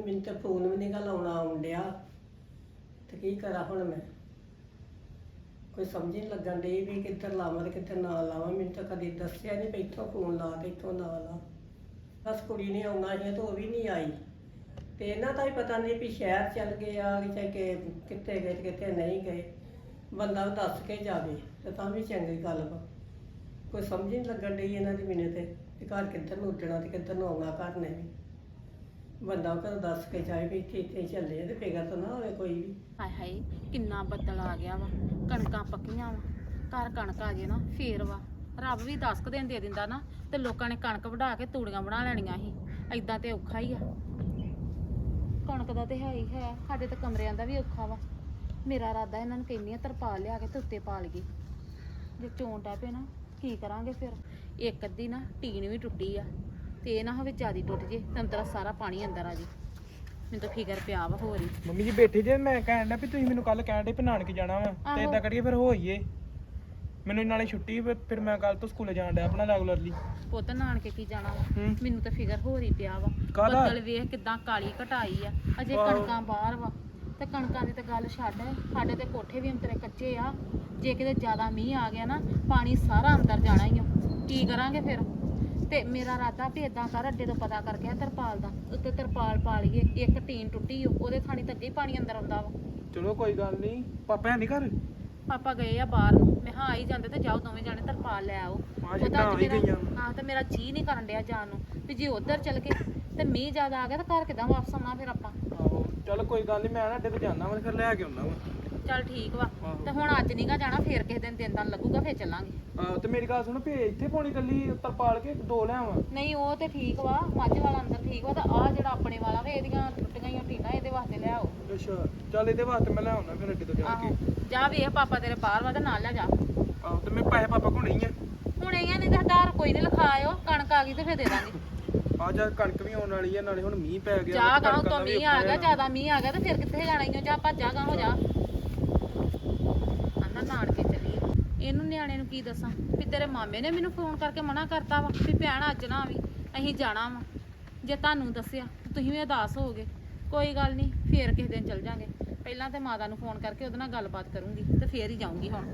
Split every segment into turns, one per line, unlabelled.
ਮੈਨੂੰ ਤਾਂ ਫੋਨ ਵੀ ਨਹੀਂ ਗਾ ਲਾਉਣਾ ਆਉਣ ਡਿਆ ਤੇ ਕੀ ਕਰਾਂ ਹੁਣ ਮੈਂ। ਕੋਈ ਸਮਝ ਨਹੀਂ ਲੱਗਣ ਡਈ ਵੀ ਕਿੱਧਰ ਲਾਵਾਂ ਤੇ ਕਿੱਧਰ ਨਾ ਲਾਵਾਂ। ਮੈਨੂੰ ਤਾਂ ਕਦੇ ਦੱਸਿਆ ਨਹੀਂ ਵੀ ਇੱਥੋਂ ਫੋਨ ਲਾ ਤੇ ਇੱਥੋਂ ਨਾ ਲਾ। ਬਸ ਕੁੜੀ ਨੇ ਆਉਣਾ ਸੀ ਤੇ ਉਹ ਵੀ ਨਹੀਂ ਆਈ ਤੇ ਇਹਨਾਂ ਦਾ ਹੀ ਪਤਾ ਨਹੀਂ ਵੀ ਸ਼ਹਿਰ ਚੱਲ ਗਏ ਆ ਕਿ ਕਿੱਥੇ ਗਏ ਤੇ ਕਿੱਥੇ ਨਹੀਂ ਗਏ। ਬੰਦਾ ਦੱਸ ਕੇ ਜਾਵੇ ਤੇ ਤਾਂ ਵੀ ਚੰਗੀ ਗੱਲ ਵਾ। ਕੋਈ ਸਮਝ ਨਹੀਂ ਲੱਗਣ ਡਈ ਇਹਨਾਂ ਦੀ ਮੈਨੂੰ ਤੇ ਵੀ ਘਰ ਕਿੱਧਰ ਨੂੰ ਉੱਡਣਾ ਤੇ ਕਿੱਧਰ ਨੂੰ ਆਉਣਾ ਘਰ ਨੇ ਵੀ। ਬੰਦਾ ਘਰ ਦੱਸ ਕੇ ਜਾਏ ਵੀ ਇੱਥੇ ਇੱਥੇ ਚੱਲੇ ਆ ਤੇ ਫਿਕਰ ਤਾਂ ਨਾ ਹੋਵੇ ਕੋਈ ਵੀ।
ਹਾਏ ਹਾਏ ਕਿੰਨਾ ਬੱਦਲ ਆ ਗਿਆ ਵਾ, ਕਣਕਾਂ ਪੱਕੀਆਂ ਵਾ, ਘਰ ਕਣਕ ਆ ਜੇ ਨਾ ਫੇਰ ਵਾ। ਰੱਬ ਵੀ 10 ਕੁ ਦਿਨ ਦੇ ਦਿੰਦਾ ਨਾ ਤੇ ਲੋਕਾਂ ਨੇ ਕਣਕ ਵਢਾ ਕੇ ਤੂੜੀਆਂ ਬਣਾ ਲੈਣੀਆਂ ਸੀ। ਐਦਾਂ ਤੇ ਔਖਾ ਹੀ ਆ। ਕਣਕ ਦਾ ਤੇ ਹੈ ਹੀ ਹੈ, ਸਾਡੇ ਤੇ ਕਮਰਿਆਂ ਦਾ ਵੀ ਔਖਾ ਵਾ। ਮੇਰਾ ਇਰਾਦਾ ਇਹਨਾਂ ਨੂੰ ਕਹਿੰਦੀ ਆ ਤਰਪਾਲ ਲਿਆ ਕੇ ਤੇ ਉੱਤੇ ਪਾ ਲਈਏ। ਜੇ ਚੋਣ ਟੈ ਪਏ ਨਾ ਕੀ ਕਰਾਂਗੇ ਫਿਰ। ਇੱਕ ਅੱਧੀ ਨਾ ਟੀਨ ਵੀ ਟੁੱਟੀ ਆ ਤੇ ਇਹ ਨਾ ਹੋਵੇ ਜਿਆਦੀ ਟੁੱਟ ਜੇ ਤੇ ਅੰਦਰ ਸਾਰਾ ਪਾਣੀ ਅੰਦਰ ਆ ਜੇ। ਮੈਨੂੰ ਤਾਂ ਫਿਕਰ ਪਿਆ ਵਾ ਹੋਰ ਹੀ।
ਮੰਮੀ ਜੀ ਬੈਠੇ ਜੇ, ਮੈਂ ਕਹਿਣ ਡਿਆ ਵੀ ਤੁਸੀਂ ਮੈਨੂੰ ਕੱਲ ਕਹਿਣ ਡੇ ਵੀ ਨਾਨਕੇ ਜਾਣਾ ਵਾ ਤੇ ਇਦਾਂ ਕਰੀਏ ਫਿਰ ਹੋਈਏ। ਮੈਨੂੰ ਨਾਲੇ ਛੁੱਟੀ ਫਿਰ ਮੈਂ ਕੱਲ ਤੋਂ ਸਕੂਲੇ ਜਾਣ ਡਿਆ ਆਪਣਾ ਰੈਗੂਲਰਲੀ।
ਪੁੱਤ ਨਾਨਕੇ ਕੀ ਜਾਣਾ ਵਾ, ਮੈਨੂੰ ਤਾਂ ਫਿਕਰ ਹੋ ਰਹੀ ਪਿਆ ਵਾ।
ਕਾਹਦਾ?
ਬੱਦਲ ਵੇਖ ਕਿਦਾਂ ਕਾਲੀ ਘਟਾਈ ਆ, ਅਜੇ ਕਣਕਾਂ ਬਾਹਰ ਵਾ ਤੇ ਕਣਕਾਂ ਦੀ ਤਾਂ ਗੱਲ ਛੱਡ। ਸਾਡੇ ਤੇ ਕੋਠੇ ਵੀ ਅੰਤਰੇ ਕੱਚੇ ਆ। ਜੇ ਕਿਤੇ ਜ਼ਿਆਦਾ ਮੀਂਹ ਆ ਗਿਆ ਨਾ ਪਾਣੀ ਸਾਰਾ ਅੰਦਰ ਜਾਣਾ ਹੀ ਆ। ਕੀ ਕਰਾਂਗੇ ਫਿਰ। ਤੇ ਮੇਰਾ ਇਰਾਦਾ ਵੀ ਇਦਾਂ ਕਰ, ਅੱਡੇ ਤੋਂ ਪਤਾ ਕਰਕੇ ਤਰਪਾਲ ਦਾ ਉੱਤੇ ਤਰਪਾਲ ਪਾ ਲਈਏ। ਇੱਕ ਟੀਨ ਟੁੱਟੀ ਉਹਦੇ ਥਾਣੀ ਤਾਂ ਅੱਗੇ ਹੀ ਪਾਣੀ ਅੰਦਰ ਆਉਂਦਾ ਵਾ।
ਚਲੋ ਕੋਈ ਗੱਲ ਨਹੀਂ, ਪਾਪਾ ਹੈ ਨਹੀਂ ਘਰ?
ਪਾਪਾ ਗਏ ਆ ਬਾਹਰ ਨੂੰ। ਮੈਂ ਹਾਂ ਆਈ ਜਾਂਦੇ ਤੇ ਜਾਓ ਦੋਵੇਂ ਜਾਣੇ ਤਰਪਾਲ ਲੈ ਆਓ। ਹਾਂ ਤੇ ਮੇਰਾ ਜੀ ਨਹੀਂ ਕਰਨ ਡਿਆ ਜਾਣ ਨੂੰ ਵੀ ਜੇ ਉਧਰ ਚੱਲ ਗਏ ਤੇ ਮੀਂਹ ਜ਼ਿਆਦਾ ਆ ਗਿਆ ਤਾਂ ਘਰ ਕਿੱਦਾਂ ਵਾਪਸ ਆਉਣਾ ਫਿਰ ਆਪਾਂ।
ਆਹੋ ਚਲ ਕੋਈ ਗੱਲ ਨਹੀਂ, ਮੈਂ ਨਾ ਅੱਡੇ ਤੇ ਜਾਣਾ ਵਾ ਫਿਰ ਲੈ ਕੇ ਆਉਣਾ ਵਾ।
ਚੱਲ ਠੀਕ ਵਾ। ਤੇ ਹੁਣ ਅੱਜ ਨਹੀਂਗਾ ਜਾਣਾ, ਫੇਰ ਕਿਸੇ ਦਿਨ ਤਾਂ ਲੱਗੂਗਾ ਫੇਰ ਚੱਲਾਂਗੇ।
ਆਹੋ ਤੇ ਮੇਰੀ ਗੱਲ ਸੁਣ, ਭੇ ਇੱਥੇ ਪਾਉਣੀ ਕੱਲੀ ਤਰਪਾਲ ਕੇ ਦੋ ਲਿਆਵਾਂ?
ਨਹੀਂ ਉਹ ਤੇ ਠੀਕ ਵਾ, ਮੱਝ ਵਾਲਾ ਅੰਦਰ ਠੀਕ ਵਾ। ਤਾਂ ਆਹ ਜਿਹੜਾ ਆਪਣੇ ਵਾਲਾ ਵਾ ਇਹਦੀਆਂ ਟੁੱਟੀਆਂ ਹੀ ਟੀਨਾਂ ਇਹਦੇ ਵਾਸਤੇ ਲਿਆਓ।
ਅੱਛਾ ਚੱਲ ਇਹਦੇ ਵਾਸਤੇ ਮੈਂ ਲੈ ਆਉਣਾ ਫਿਰ ਅੱਡੇ ਤੋਂ ਜਾ ਕੇ।
ਜਾ ਵੇਖ ਪਾਪਾ ਤੇਰੇ ਬਾਹਰ ਵਾ ਤੇ ਨਾਲ ਲੈ ਜਾ।
ਆਹੋ ਤੇ ਮੈਂ ਪੈਸੇ ਪਾਪਾ ਕੋਲ ਨਹੀਂ ਆ।
ਹੁਣ ਇਹ ਨਹੀਂ ਤਾਂ ਹਜ਼ਾਰ ਕੋਈ ਨਹੀਂ ਲਿਖਾ ਆਇਓ, ਕਣਕ ਆ ਗਈ ਤੇ ਫੇਰ ਦੇ ਦਾਂਗੇ।
ਆ ਜਾ ਕਣਕ ਵੀ ਆਉਣ ਵਾਲੀ ਆ, ਨਾਲੇ ਹੁਣ ਮੀਂਹ ਪੈ ਗਿਆ।
ਜਾ ਗਾਂ ਤੋਂ ਮੀਂਹ ਆ ਗਿਆ, ਜ਼ਿਆਦਾ ਮੀਂਹ ਆ ਗਿਆ ਤੇ ਫਿਰ ਕਿੱਥੇ ਜਾਣਾ ਈ ਓ। ਜਾ ਭੱਜਾ ਗਾਂ ਹੋ ਜਾ। ਆਨਾ ਨਾਨਕੇ ਚੱਲੀਏ। ਇਹਨੂੰ ਨਿਆਣੇ ਨੂੰ ਕੀ ਦੱਸਾਂ ਵੀ ਤੇਰੇ ਮਾਮੇ ਨੇ ਮੈਨੂੰ ਫੋਨ ਕਰਕੇ ਮਨਾ ਕਰਤਾ ਵਾ ਵੀ ਭੈਣ ਅੱਜ ਨਾ ਆਵੀਂ, ਅਸੀਂ ਜਾਣਾ ਵਾ। ਜੇ ਤੁਹਾਨੂੰ ਦੱਸਿਆ ਤੁਸੀਂ ਵੀ ਉਦਾਸ ਹੋਗੇ। ਕੋਈ ਗੱਲ ਨਹੀਂ, ਫੇਰ ਕਿਸੇ ਦਿਨ ਚੱਲ ਜਾਾਂਗੇ। ਪਹਿਲਾਂ ਤੇ ਮਾਤਾ ਨੂੰ ਫੋਨ ਕਰਕੇ ਉਹਦੇ ਨਾਲ ਗੱਲਬਾਤ ਕਰੂੰਗੀ ਤੇ ਫੇਰ ਹੀ ਜਾਊਂਗੀ। ਹੁਣ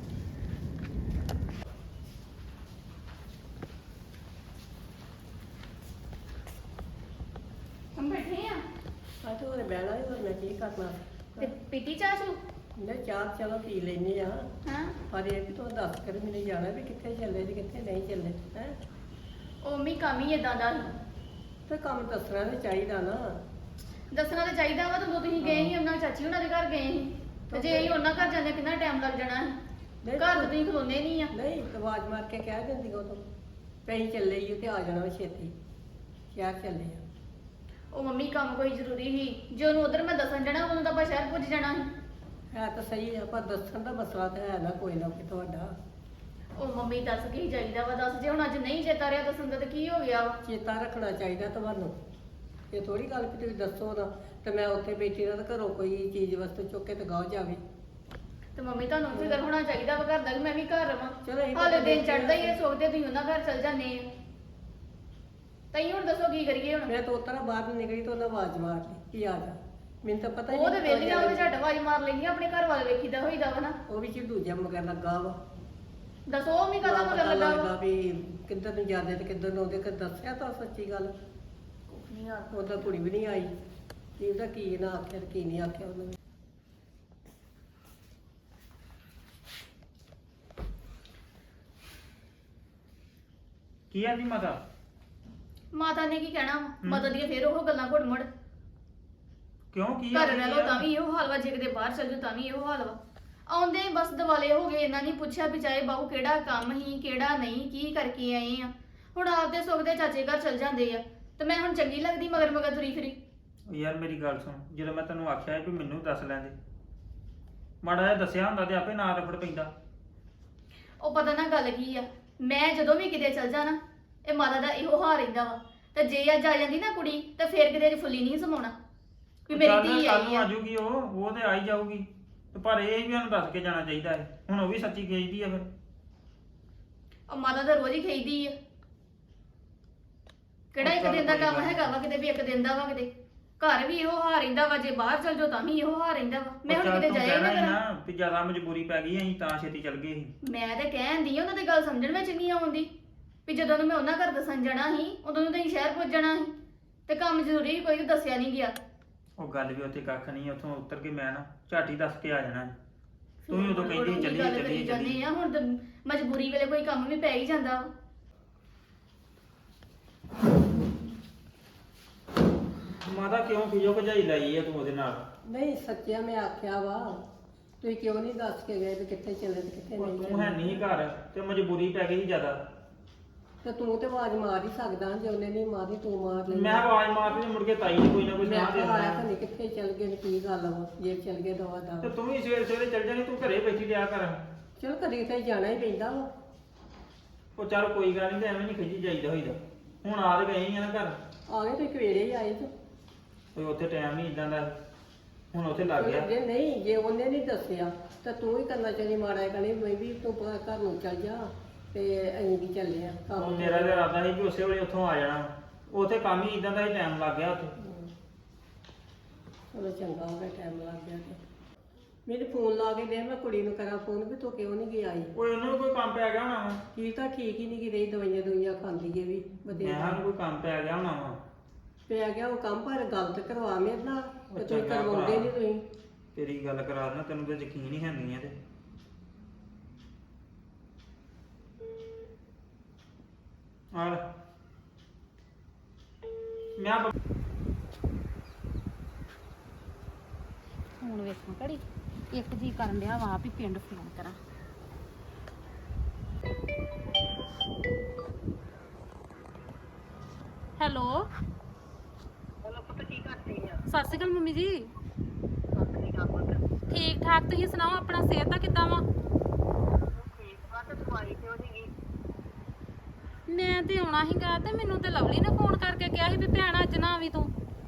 हम बैठे हैं
ਆ ਤੇ ਉਹਨੇ ਬਹਿਣਾ ਹੀ, ਹੋਰ ਮੈਂ ਕੀ ਕਰਨਾ।
ते पीती चाचू
ਮੈਂ ਚਾਹ ਚਲੋ ਪੀ ਲੈਂਦੇ ਆ,
हाँ
ਪਰ ਇਹ ਵੀ ਤੂੰ ਦੱਸ ਕਰ ਮੈਨੂੰ ਜਾਣਾ ਵੀ ਕਿੱਥੇ ਚੱਲੇ ਤੇ ਕਿੱਥੇ ਨਹੀਂ ਚੱਲੇ ਹੈ।
ओ मी काम ही इदां दा
ਤੇ ਕੰਮ ਦੱਸਣਾ ਤੇ ਚਾਹੀਦਾ ਨਾ।
ਦੱਸਣਾ ਤਾਂ ਚਾਹੀਦਾ ਵਾ। ਜਦੋਂ ਤੁਸੀਂ ਗਏ ਸੀ ਉਹਨਾਂ ਚਾਚੀ ਉਹਨਾਂ ਦੇ ਘਰ ਗਏ ਸੀ ਤੇ ਜੇ ਅਸੀਂ ਉਹਨਾਂ ਘਰ ਜਾਂਦੇ ਕਿੰਨਾ ਟਾਈਮ ਲੱਗ ਜਾਣਾ ਸੀ। ਘਰ ਤਾਂ ਤੁਸੀਂ ਖਲੋਨੇ ਨਹੀਂ ਆ।
ਨਹੀਂ ਤੇ ਆਵਾਜ਼ ਮਾਰ ਕੇ ਕਹਿ ਦਿੰਦੀ ਉਹ ਤੋਂ ਪਈ ਚੱਲੇ ਹੀ ਤੇ ਆ ਜਾਣਾ ਵਾ ਛੇਤੀ, ਸ਼ਹਿਰ ਚੱਲੇ ਆ।
ਉਹ ਮੰਮੀ ਕੰਮ ਕੋਈ ਜ਼ਰੂਰੀ ਸੀ, ਜੇ ਉਹਨੂੰ ਉਧਰ ਮੈਂ ਦੱਸਣ ਜਾਣਾ ਉਹਨੂੰ ਤਾਂ ਆਪਾਂ ਸ਼ਹਿਰ ਪੁੱਜ ਜਾਣਾ ਸੀ।
ਹੈ ਤਾਂ ਸਹੀ ਆ, ਪਰ ਦੱਸਣ ਦਾ ਮਸਲਾ ਤਾਂ ਹੈ ਨਾ ਕੋਈ ਨਾ ਕੋਈ ਤੁਹਾਡਾ।
ਉਹ ਮੰਮੀ ਦੱਸ ਕੀ ਚਾਹੀਦਾ ਵਾ, ਦੱਸ। ਜੇ ਹੁਣ ਅੱਜ ਨਹੀਂ ਚੇਤਾ ਰਿਹਾ ਦੱਸਣ ਦਾ ਤਾਂ ਕੀ ਹੋ ਗਿਆ ਵਾ।
ਚੇਤਾ ਰੱਖਣਾ ਚਾਹੀਦਾ ਤੁਹਾਨੂੰ। ਇਹ ਥੋੜੀ ਗੱਲ ਕਿ ਤੁਸੀਂ ਦੱਸੋ ਨਾ ਤੇ ਮੈਂ ਉੱਥੇ ਬੈਠੀ ਰਹਾਂ ਤੇ ਘਰੋਂ ਕੋਈ ਚੀਜ਼ ਵਸਤੂ ਚੁੱਕ ਕੇ ਤੇ ਗਾਹ ਜਾਵੇ।
ਤੇ ਮੰਮੀ ਤੁਹਾਨੂੰ ਫਿਕਰ ਹੋਣਾ ਚਾਹੀਦਾ ਵਾ ਘਰ ਦਾ, ਕਿ ਮੈਂ ਵੀ ਘਰ ਰਵਾਂ।
ਚਲੋ ਇਹ
ਹਾਲੇ
ਤਾਂ
ਦਿਨ ਚੜਦਾ ਹੀ ਇਹ ਸੋਚਦੇ ਤੁਸੀਂ ਉਹਨਾਂ ਘਰ ਚਲ ਜਾਂਦੇ ਆ। ਤਈ ਹੁਣ ਦੱਸੋ ਕੀ ਕਰੀਏ ਹੁਣ।
ਮੈਂ ਤਾਂ ਉਤਰਾ ਬਾਹਰ ਨੂੰ ਨਿਕਲੀ ਤਾਂ ਉਹਨਾਂ ਆਵਾਜ਼ ਮਾਰ ਲਈ ਕਿ ਆ ਜਾ। ਮੈਨੂੰ ਤਾਂ ਪਤਾ ਹੀ
ਉਹ ਤੇ ਵੇਲੀਆਂ ਉਹਦੇ ਝੱਟ ਆਵਾਜ਼ ਮਾਰ ਲੈਂਦੀਆਂ, ਆਪਣੇ ਘਰ ਵਾਲੇ ਵੇਖੀਦਾ ਹੋਈਦਾ ਵਾ ਨਾ।
ਉਹ ਵੀ ਝਿੜੂ ਜਿਹਾ ਮਗਰ ਲੱਗਾ ਵਾ।
ਦੱਸੋ ਉਹ ਵੀ ਕਦਾ ਮਗਰ ਲੱਗਾ ਵਾ।
ਵੀ ਕਿੱਧਰ ਨੂੰ ਜਾਂਦੇ ਤੇ ਕਿੱਧਰ ਨੂੰ ਆਉਂਦੇ। ਕਿ ਦੱਸਿਆ ਤਾਂ ਸੱਚੀ ਗੱਲ।
ਨਹੀਂ ਆ
ਉਹਦਾ ਕੁੜੀ ਵੀ ਨਹੀਂ ਆਈ, ਕੀ ਉਹਦਾ ਕੀ ਨਾ ਆਖਿਆ ਤੇ ਕੀ ਨਹੀਂ ਆਖਿਆ ਉਹਨੇ।
ਕੀ ਆਂਦੀ ਮਾਤਾ?
ਮਾਤਾ ਨੇ ਕੀ ਕਹਿਣਾ ਵਾ? ਮਾਤਾ ਦੀਆਂ ਫੇਰ ਉਹ ਗੱਲਾਂ ਘੁੱਟ ਮੁੜ।
ਕਿਉਂ ਕੀ
ਘਰ ਰਹਿ ਲੋ ਤਾਂ ਵੀ ਇਹੋ ਹਾਲ ਵਾ, ਜੇ ਕਿਤੇ ਬਾਹਰ ਚੱਲ ਜਾਓ ਤਾਂ ਵੀ ਇਹੋ ਹਾਲ ਵਾ। ਆਉਂਦੇ ਹੀ ਬਸ ਦਿਵਾਲੇ ਹੋ ਗਏ। ਇਹਨਾਂ ਨੇ ਪੁੱਛਿਆ ਵੀ ਚਾਹੇ ਬਾਹੂ ਕਿਹੜਾ ਕੰਮ ਹੀ ਕਿਹੜਾ ਨਹੀਂ, ਕੀ ਕਰਕੇ ਆਏ ਆ। ਹੁਣ ਆਪਦੇ ਸੁੱਖ ਦੇ ਚਾਚੇ ਘਰ ਚੱਲ ਜਾਂਦੇ ਆ ਤੇ ਮੈਂ ਹੁਣ ਚੰਗੀ ਲੱਗਦੀ ਮਗਰ ਮਗਰ ਤੁਰੀ ਫਿਰੀ।
ਯਾਰ ਮੇਰੀ ਗੱਲ ਸੁਣ, ਜਦੋਂ ਮੈਂ ਤੈਨੂੰ ਆਖਿਆ ਵੀ ਮੈਨੂੰ ਦੱਸ ਲੈਂਦੇ, ਮਾੜਾ ਜਿਹਾ ਦੱਸਿਆ ਹੁੰਦਾ ਤੇ ਆਪੇ ਨਾ ਰਫੜ ਪੈਂਦਾ।
ਉਹ ਪਤਾ ਨਾ ਗੱਲ ਕੀ ਆ, ਮੈਂ ਜਦੋਂ ਵੀ ਕਿਤੇ ਚੱਲ ਜਾਣਾ ਇਹ ਮਾਤਾ ਦਾ ਇਹੋ ਹਾਲ ਰਹਿੰਦਾ ਵਾ। ਤੇ ਜੇ ਅੱਜ ਆ ਜਾਂਦੀ ਨਾ ਕੁੜੀ ਤੇ ਫੇਰ ਕਿਤੇ ਫੁੱਲੀ ਨਹੀਂ ਸਮਾਉਣਾ ਵੀ ਮੇਰੀ ਧੀ ਆਈ ਆ।
ਆਜੂਗੀ ਉਹ ਤੇ ਆਈ ਜਾਊਗੀ, ਤੇ ਪਰ ਇਹ ਵੀ ਉਹਨੂੰ ਦੱਸ ਕੇ ਜਾਣਾ ਚਾਹੀਦਾ ਹੈ। ਹੁਣ ਉਹ ਵੀ ਸੱਚੀ ਖੇਜਦੀ ਆ ਫਿਰ।
ਉਹ ਮਾਤਾ ਤਾਂ ਰੋਜ਼ ਹੀ ਖਾਈਦੀ ਆ। ਕਿਹੜਾ ਇੱਕ ਦਿਨ ਦਾ ਕੰਮ ਹੈਗਾ ਵਾ ਕਿਤੇ ਵੀ ਇੱਕ ਦਿਨ ਦਾ ਵਾ ਕਿਤੇ। ਘਰ ਵੀ ਇਹੋ ਹਾਲ ਰਹਿੰਦਾ ਵਾ, ਜੇ ਬਾਹਰ ਚਲ ਜਾਓ ਤਾਂ ਵੀ ਇਹੋ ਹਾਲ ਰਹਿੰਦਾ ਵਾ। ਮੈਂ ਹੁਣ
ਚੱਲ
ਕਿਤੇ
ਤੂੰ
ਜਾਇਆ
ਕਹਿਣਾ
ਨਾ
ਸੀ
ਕਰਾਂ।
ਨਾ ਵੀ ਜ਼ਿਆਦਾ ਮਜਬੂਰੀ ਪੈ ਗਈ ਅਸੀਂ ਤਾਂ ਛੇਤੀ ਚੱਲ ਗਏ ਸੀ।
ਮੈਂ ਤੇ ਕਹਿੰਦੀ ਉਹਨਾਂ ਦੀ ਗੱਲ ਸਮਝਣ ਵਿੱਚ ਨਹੀਂ ਆਉਂਦੀ ਵੀ ਜਦੋਂ ਨੂੰ ਮੈਂ ਉਹਨਾਂ ਘਰ ਦੱਸਣ ਜਾਣਾ ਸੀ ਉਦੋਂ ਨੂੰ ਤੁਸੀਂ ਸ਼ਹਿਰ ਪੁੱਜ ਜਾਣਾ ਸੀ ਤੇ ਕੰਮ ਜ਼ਰੂਰੀ ਸੀ, ਕੋਈ ਦੱਸਿਆ ਨਹੀਂ ਗਿਆ।
ਉਹ ਗੱਲ ਵੀ ਉੱਥੇ ਕੱਖ ਨਹੀਂ, ਉੱਥੋਂ ਉਤਰ ਕੇ ਮੈਂ ਨਾ ਝਾਟੀ ਦੱਸ ਕੇ ਆ ਜਾਣਾ ਸੀ। ਤੂੰ ਹੀ ਉਦੋਂ
ਹੁਣ
ਕਹਿੰਦੀ
ਉਹੀ
ਚੱਲੀਏ
ਗੱਲ ਕਰੀ
ਚੱਲੀਏ
ਜਾਂਦੇ
ਚੱਲੀਏ।
ਆ, ਹੁਣ ਤਾਂ ਮਜਬੂਰੀ ਵੇਲੇ ਕੋਈ ਕੰਮ ਵੀ ਪੈ ਹੀ ਜਾਂਦਾ ਵਾ।
ਮਾਤਾ ਕਿਉਂ ਖਿਜੋ ਭਜਾਈ ਲਾਈ ਆ ਤੂੰ ਉਹਦੇ ਨਾਲ?
ਨਹੀਂ ਸੱਚਿਆ ਮੈਂ ਆਖਿਆ ਵਾ ਤੁਸੀਂ ਕਿਉਂ ਨਹੀਂ ਦੱਸ ਕੇ ਗਏ ਵੀ ਕਿੱਥੇ ਚੱਲੇ ਤੇ ਕਿੱਥੇ
ਉਹ
ਨਹੀਂ
ਤੂੰ ਹੈ
ਚੱਲੇ?
ਨਹੀਂ ਘਰ ਤੇ ਮਜਬੂਰੀ ਪੈ ਗਈ ਸੀ ਜ਼ਿਆਦਾ।
ਤੇ ਤੂੰ ਤੇ ਆਵਾਜ਼ ਮਾਰ ਹੀ ਸਕਦਾ, ਜੇ ਉਹਨੇ ਨਹੀਂ ਮਾਰੀ ਤੂੰ ਮਾਰ ਲਈ।
ਮੈਂ ਆਵਾਜ਼ ਮਾਰਦੀ ਤੇ ਮੁੜ ਕੇ ਤਾਈ ਨੇ ਕੋਈ ਨਾ ਕੋਈ
ਮੈਂ
ਸੁਣਾ ਦੇ
ਕਿਹਾ ਆਇਆ
ਦੇਣਾ।
ਤਾਂ ਨਹੀਂ ਕਿੱਥੇ ਚੱਲ ਗਏ ਨੇ, ਕੀ ਗੱਲ ਵਾ ਜੇ ਚੱਲ ਗਏ ਦਵਾ
ਤੇ
ਦਾ।
ਤੂੰ ਵੀ ਸਵੇਰੇ ਸਵੇਰੇ ਚੱਲ ਜਾਣੀ, ਤੂੰ ਘਰੇ ਬੈਠੀ ਰਿਹਾ ਕਰ।
ਚਲ ਕਦੀ ਤਾਂ ਜਾਣਾ ਹੀ ਪੈਂਦਾ ਵਾ।
ਉਹ ਚੱਲ ਕੋਈ ਗੱਲ ਨਹੀਂ, ਤੇ ਐਵੇਂ ਨਹੀਂ ਖਿਜੀ ਜਾਈਦਾ ਹੋਈਦਾ। ਹੁਣ ਆ ਤੇ ਗਏ ਹੀ ਆ ਨਾ ਘਰ,
ਆ ਗਏ ਤੁਸੀਂ ਕਵੇੜੇ ਹੀ ਆਏ ਤੇ
ਕੋਈ ਉੱਥੇ ਟਾਈਮ ਨਹੀਂ ਇਦਾਂ ਦਾ, ਹੁਣ ਉੱਥੇ ਲੱਗ ਗਿਆ।
ਜੇ ਨਹੀਂ ਜੇ ਉਹਨੇ ਨਹੀਂ ਦੱਸਿਆ ਤਾਂ ਤੂੰ ਹੀ ਕਰਨਾ ਚਾਹੀਦੀ ਮਾੜਾ ਕਹਣੀ ਮੈਂ ਵੀ ਤੂੰ ਘਰ ਨੂੰ ਚੱਲ ਜਾ ਤੇ ਅਸੀਂ ਵੀ ਚੱਲੇ ਆ
ਉਹ
ਕੰਮ।
ਮੇਰਾ ਤਾਂ ਇਰਾਦਾ ਸੀ ਕਿ ਉਸੇ ਵੇਲੇ ਉੱਥੋਂ ਆ ਜਾਣਾ, ਉੱਥੇ ਕੰਮ ਹੀ ਇਦਾਂ ਦਾ ਹੀ ਟਾਈਮ ਲੱਗ ਗਿਆ ਉੱਥੇ।
ਚਲੋ ਚੰਗਾ ਹੋ ਗਿਆ ਟਾਈਮ ਲੱਗ ਗਿਆ ਤੇ ਮੈਨੂੰ ਫੋਨ ਲਾ ਕੇ ਦੇ, ਮੈਂ ਕੁੜੀ ਨੂੰ ਕਰਾਂ ਫੋਨ ਵੀ ਤੂੰ ਕਿਉਂ ਨਹੀਂ ਗਿਆ ਆਈ।
ਓਏ ਉਹਨੂੰ ਵੀ ਕੋਈ ਕੰਮ ਪੈ ਗਿਆ ਹੋਣਾ ਵਾ।
ਕੀ ਤਾਂ ਠੀਕ ਹੀ ਨਹੀਂ ਕਿ ਰਹੀ, ਦਵਾਈਆਂ ਦੁਈਆਂ ਖਾਂਦੀ ਏ ਵੀ
ਮੈਂ
ਬਦੇ
ਕਿਹਾ ਉਹਨੂੰ ਕੋਈ ਕੰਮ ਪੈ ਗਿਆ ਹੋਣਾ ਵਾ।
ਪੈ ਗਿਆ ਉਹ ਕੰਮ, ਪਰ ਗਲਤ ਕਰਵਾ ਮੇਰੇ ਨਾਲ ਤੇ ਤੁਸੀਂ
ਚੰਗਾ
ਕਰਵਾਉਂਦੇ
ਭਰਾ।
ਨਹੀਂ ਤੁਸੀਂ।
ਤੇਰੀ ਗੱਲ ਕਰਾ ਦੇਣਾ, ਤੈਨੂੰ ਤਾਂ ਯਕੀਨ ਹੀ ਹੈ ਨਹੀਂ ਇਹਦੇ। ਆ ਲੈ। ਮੈਂ
ਹੁਣ ਵੇਖਾਂ ਘੜੀ ਇੱਕ ਜੀ ਕਰਨ ਡਿਆ ਵਾ ਵੀ ਪਿੰਡ ਫੋਨ ਕਰਾਂ। ਹੈਲੋ
ਚਲੋ ਪੁੱਤ ਕੀ ਕਰਦੀ ਆ?
ਸਤਿ ਸ਼੍ਰੀ ਅਕਾਲ ਮੰਮੀ ਜੀ।
ਸਤਿ ਸ਼੍ਰੀ ਅਕਾਲ।
ਠੀਕ ਠਾਕ, ਤੁਸੀਂ ਸੁਣਾਓ ਆਪਣਾ, ਸਿਹਤ ਦਾ ਕਿੱਦਾਂ ਵਾ?
ਠੀਕ ਆ, ਤੇ ਦਵਾਈ ਕਿਉਂ ਨਹੀਂ ਗਈ?
ਮੈਂ ਤੇ ਆਉਣਾ ਸੀਗਾ ਤੇ ਮੈਨੂੰ ਤੇ ਲਵਲੀ ਨੇ ਫੋਨ ਕਰਕੇ ਕਿਹਾ ਸੀ ਵੀ ਭੈਣ ਅੱਜ ਨਾ ਆਵੀਂ ਤੂੰ।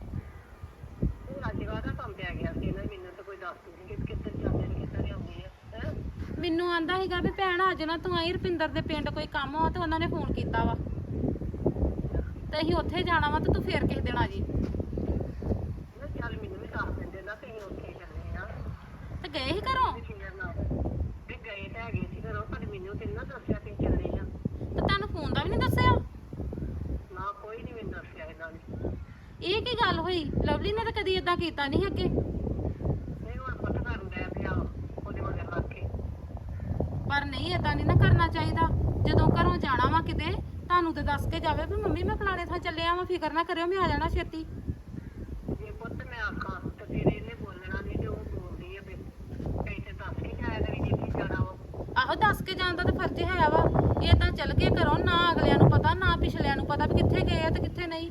ਅੱਜ ਦਾ ਕੰਮ ਪੈ ਗਿਆ ਸੀ ਨਾ, ਮੈਨੂੰ ਤਾਂ ਕੋਈ ਦੱਸ ਨਹੀਂ ਕਿ ਕਿੱਧਰ ਜਾਂਦੇ ਨੇ ਕਿੱਧਰ ਆਉਂਦੇ ਆ ਹੈ।
ਮੈਨੂੰ ਆਂਦਾ ਸੀਗਾ ਵੀ ਭੈਣ ਅੱਜ ਨਾ ਤੂੰ ਆਈ, ਰੁਪਿੰਦਰ ਦੇ ਪਿੰਡ ਕੋਈ ਕੰਮ ਆ ਤੇ ਉਹਨਾਂ ਨੇ ਫੋਨ ਕੀਤਾ ਵਾ ਤੇ ਅਸੀਂ ਉੱਥੇ ਜਾਣਾ ਵਾ ਤੇ ਤੂੰ ਫੇਰ ਕਿਸੇ ਦਿਨ ਆ ਜੀ।
ਚੱਲ ਮੈਨੂੰ ਵੀ ਦੱਸ ਦਿੰਦੇ ਨਾ ਤੁਸੀਂ ਉੱਥੇ ਚੱਲੇ ਆ
ਤੇ ਗਏ ਸੀ ਘਰੋਂ
ਵੀ ਗਏ ਤਾਂ ਹੈਗੇ ਸੀ ਘਰੋਂ, ਪਰ ਮੈਨੂੰ ਤੇ ਨਾ ਦੱਸਿਆ ਕਿ ਚੱਲੇ ਆ।
ਤੇ ਤੁਹਾਨੂੰ ਫੋਨ ਦਾ ਵੀ ਨਹੀਂ ਦੱਸਿਆ?
ਨਾ ਕੋਈ ਨਹੀਂ ਮੈਨੂੰ ਦੱਸਿਆ ਇਹਨਾਂ ਨੇ।
ਇਹ ਕੀ ਗੱਲ ਹੋਈ? ਲਵਲੀ ਨੇ ਤਾਂ ਕਦੀ ਏਦਾਂ ਕੀਤਾ ਨਹੀਂ ਅੱਗੇ।
ਨਹੀਂ ਹੁਣ ਪਤਾ ਕਰਨ ਡਿਆ ਪਿਆ ਉਹਦੇ ਮਗਰ ਲੱਗ ਕੇ।
ਪਰ ਨਹੀਂ ਏਦਾਂ ਨਹੀਂ ਨਾ ਕਰਨਾ ਚਾਹੀਦਾ। ਜਦੋਂ ਘਰੋਂ ਜਾਣਾ ਵਾ ਕਿਤੇ ਤੁਹਾਨੂੰ ਤੇ ਦੱਸ ਕੇ ਜਾਵੇ ਵੀ ਮੰਮੀ ਮੈਂ ਫਲਾਣੇ ਥਾਂ ਚੱਲਿਆ ਵਾਂ, ਫਿਕਰ ਨਾ ਕਰਿਓ ਮੈਂ ਆ ਜਾਣਾ ਛੇਤੀ।
ਜੇ ਪੁੱਤ ਮੈਂ ਆਖਾਂ ਤੇ ਫਿਰ ਇਹਨੇ ਬੋਲਣਾ ਨਹੀਂ, ਤੇ ਉਹ ਬੋਲਦੀ ਆ ਫਿਰ ਕਈ ਤੇ ਦੱਸ ਕੇ ਜਾਇਆ ਕਰੀ ਜਿੱਥੇ ਜਾਣਾ ਵਾ।
ਆਹੋ ਦੱਸ ਕੇ ਜਾਣ ਦਾ ਤਾਂ ਫਰਜ਼ ਹੈ ਵਾ। ਇਹ ਤਾਂ ਚੱਲ ਗਏ ਘਰੋਂ, ਨਾ ਅਗਲਿਆਂ ਨੂੰ ਪਤਾ ਨਾ ਪਿਛਲਿਆਂ ਨੂੰ ਪਤਾ ਵੀ ਕਿੱਥੇ ਗਏ ਆ ਤੇ ਕਿੱਥੇ ਨਹੀਂ।